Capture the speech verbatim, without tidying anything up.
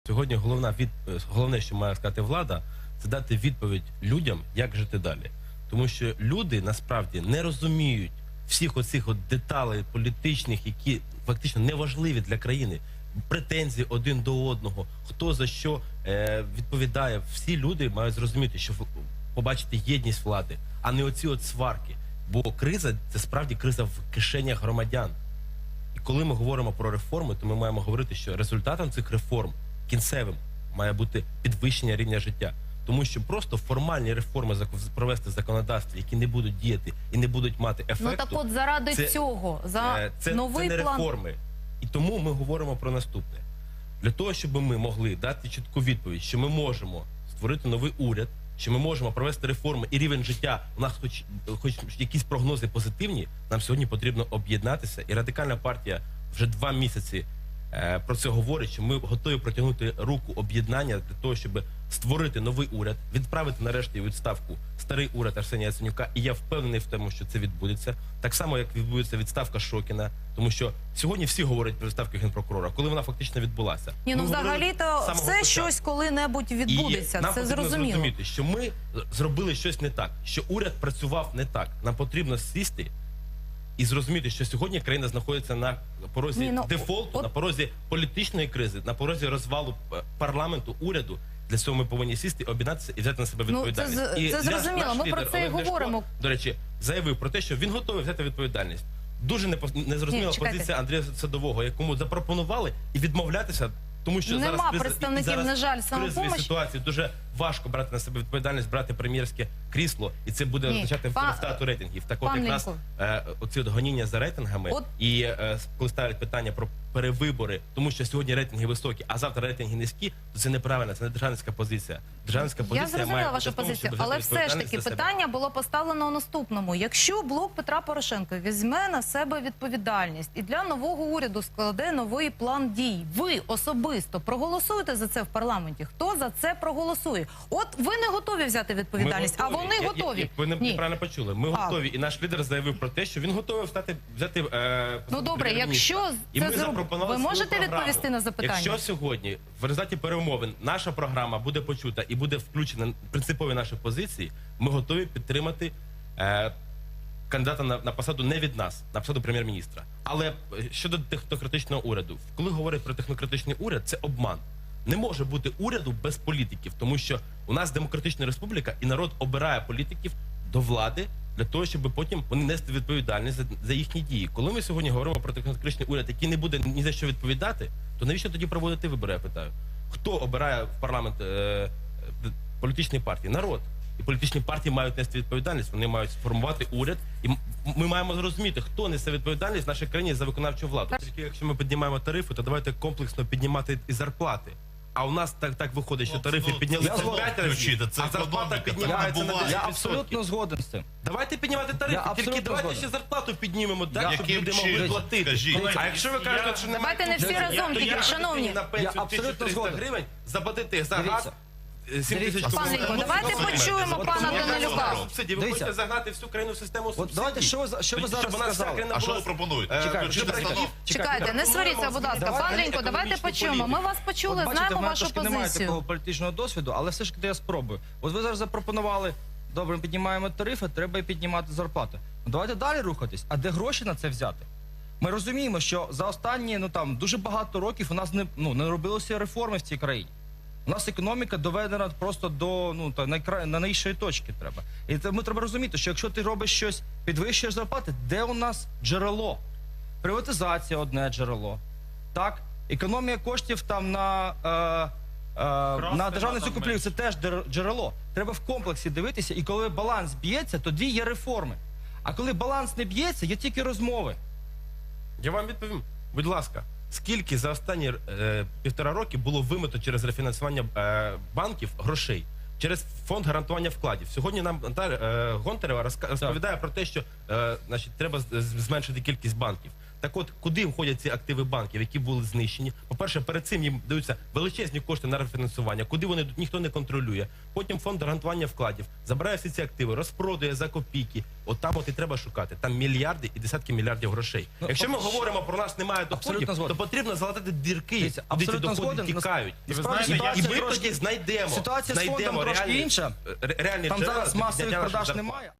Сьогодні головна від... головне, що має сказати влада, це дати відповідь людям, як жити далі. Тому що люди насправді не розуміють всіх оцих от деталей політичних, які фактично неважливі для країни. Претензії один до одного, хто за що е, відповідає. Всі люди мають зрозуміти, що побачити єдність влади, а не оці от сварки. Бо криза – це справді криза в кишенях громадян. І коли ми говоримо про реформи, то ми маємо говорити, що результатом цих реформ кінцевим має бути підвищення рівня життя. Тому що просто формальні реформи провести в законодавстві, які не будуть діяти і не будуть мати ефекту. Ну так от заради це, цього, за це, новий це не план... реформи. І тому ми говоримо про наступне. Для того, щоб ми могли дати чітку відповідь, що ми можемо створити новий уряд, що ми можемо провести реформи і рівень життя, у нас хоч, хоч якісь прогнози позитивні, нам сьогодні потрібно об'єднатися. І Радикальна партія вже два місяці е, про це говорить, що ми готові протягнути руку об'єднання для того, щоб створити новий уряд, відправити нарешті у відставку старий уряд Арсенія Яценюка. І я впевнений в тому, що це відбудеться. Так само, як відбудеться відставка Шокіна. Тому що сьогодні всі говорять про відставку генпрокурора, коли вона фактично відбулася. Ні, ну взагалі-то все щось коли-небудь відбудеться, і нам це зрозуміло. Зрозуміти, що ми зробили щось не так, що уряд працював не так. Нам потрібно сісти і зрозуміти, що сьогодні країна знаходиться на порозі Ні, ну, дефолту, от... на порозі політичної кризи, на порозі розвалу парламенту, уряду. Для цього ми повинні сісти, об'єднатися і взяти на себе відповідальність. Ну, це, і це зрозуміло, ми про це і говоримо. До речі, заявив про те, що він готовий взяти відповідальність. Дуже незрозуміла позиція Андрія Садового, якому запропонували і відмовлятися, тому що Нема зараз, представників, зараз на жаль, в кризовій самопомощі. ситуації дуже важко брати на себе відповідальність, брати прем'єрське крісло, і це буде Ні. означати Па... втрату рейтингів. Так от Пан якраз е, оці от гоніння за рейтингами от... і е, коли ставлять питання про перевибори, тому що сьогодні рейтинги високі, а завтра рейтинги низькі, то це неправильно, це не державницька позиція. Державницька позиція Я зрозуміла має вашу тому, позицію, але все ж таки питання було поставлено у наступному. Якщо блок Петра Порошенка візьме на себе відповідальність і для нового уряду складе новий план дій, ви особисто проголосуєте за це в парламенті? Хто за це проголосує? От ви не готові взяти відповідальність, а вони я, готові. Я, я, ви неправильно почули. Ми а. готові, і наш лідер заявив про те, що він готовий встати, взяти е, Ну добре, якщо це зробити, ви можете відповісти на запитання? Якщо сьогодні в результаті перемовин наша програма буде почута і буде включена принципові наші позиції, ми готові підтримати е, кандидата на, на посаду не від нас, на посаду прем'єр-міністра. Але щодо технократичного уряду, коли говорять про технократичний уряд, це обман. Не може бути уряду без політиків, тому що у нас демократична республіка і народ обирає політиків до влади для того, щоб потім вони нести відповідальність за, за їхні дії. Коли ми сьогодні говоримо про технократичний уряд, який не буде ні за що відповідати, то навіщо тоді проводити вибори, я питаю? Хто обирає в парламент е, е, політичні партії? Народ. І політичні партії мають нести відповідальність, вони мають сформувати уряд. І ми маємо зрозуміти, хто несе відповідальність в нашій країні за виконавчу владу. Тільки якщо ми піднімаємо тарифи, то давайте комплексно піднімати і зарплати. А у нас так, так виходить, що тарифи підняли п'ять разів, а зарплата піднімається на десять відсотків. Я абсолютно згоден з цим. Давайте піднімати тарифи, тільки давайте ще зарплату піднімемо, так, щоб люди могли платити. А якщо ви кажете, що немає... Давайте не всі разом тільки, шановні. На пенсію тисячу триста гривень, заплатити за газ сім тисяч кубів. Пан Лінько, давайте почуємо пана Данилюка. Ви хочете загнати всю країну в систему субсидій. Давайте, що ви, що ви зараз сказали? А що ви пропонуєте? Чекайте, не сваріться, будь ласка. Пан Лінько, давайте почуємо. Ми вас почули, знаємо вашу позицію. Немає такого політичного досвіду, але все ж таки я спробую. От ви зараз запропонували, добре, ми піднімаємо тарифи, треба і піднімати зарплати. Ну, давайте далі рухатись. А де гроші на це взяти? Ми розуміємо, що за останні, ну там, дуже багато років у нас не, ну, не робилося реформи в цій країні. У нас економіка доведена просто до ну, та, найкра... на найвищої точки треба. І це, ми треба розуміти, що якщо ти робиш щось, підвищуєш зарплати, де у нас джерело? Приватизація – одне джерело. Так? Економія коштів там на, е, е, на державну закупівлю – це теж джерело. Треба в комплексі дивитися, і коли баланс б'ється, тоді є реформи. А коли баланс не б'ється, є тільки розмови. Я вам відповім. Будь ласка. Скільки за останні е, півтора роки було вимито через рефінансування е, банків грошей, через фонд гарантування вкладів? Сьогодні нам е, Гонтарева розповідає про те, що е, значить, треба зменшити кількість банків. Так от, куди входять ці активи банків, які були знищені? По-перше, перед цим їм даються величезні кошти на рефінансування, куди вони йдуть, ніхто не контролює. Потім фонд гарантування вкладів забирає всі ці активи, розпродує за копійки. От там от і треба шукати. Там мільярди і десятки мільярдів грошей. Ну, Якщо ми абс- говоримо про нас немає Абсолютно доходів, то згоден. потрібно залатати дірки, Дивіться, куди ці абсолютно доходи згоден. тікають. І ви справді знаєте, і ситуація ми трошки- тоді знайдемо, ситуація з знайдемо фондом трошки реальні, інша. ре- реальні Там джерела зараз для масових підняття наших продаж зарплат. немає.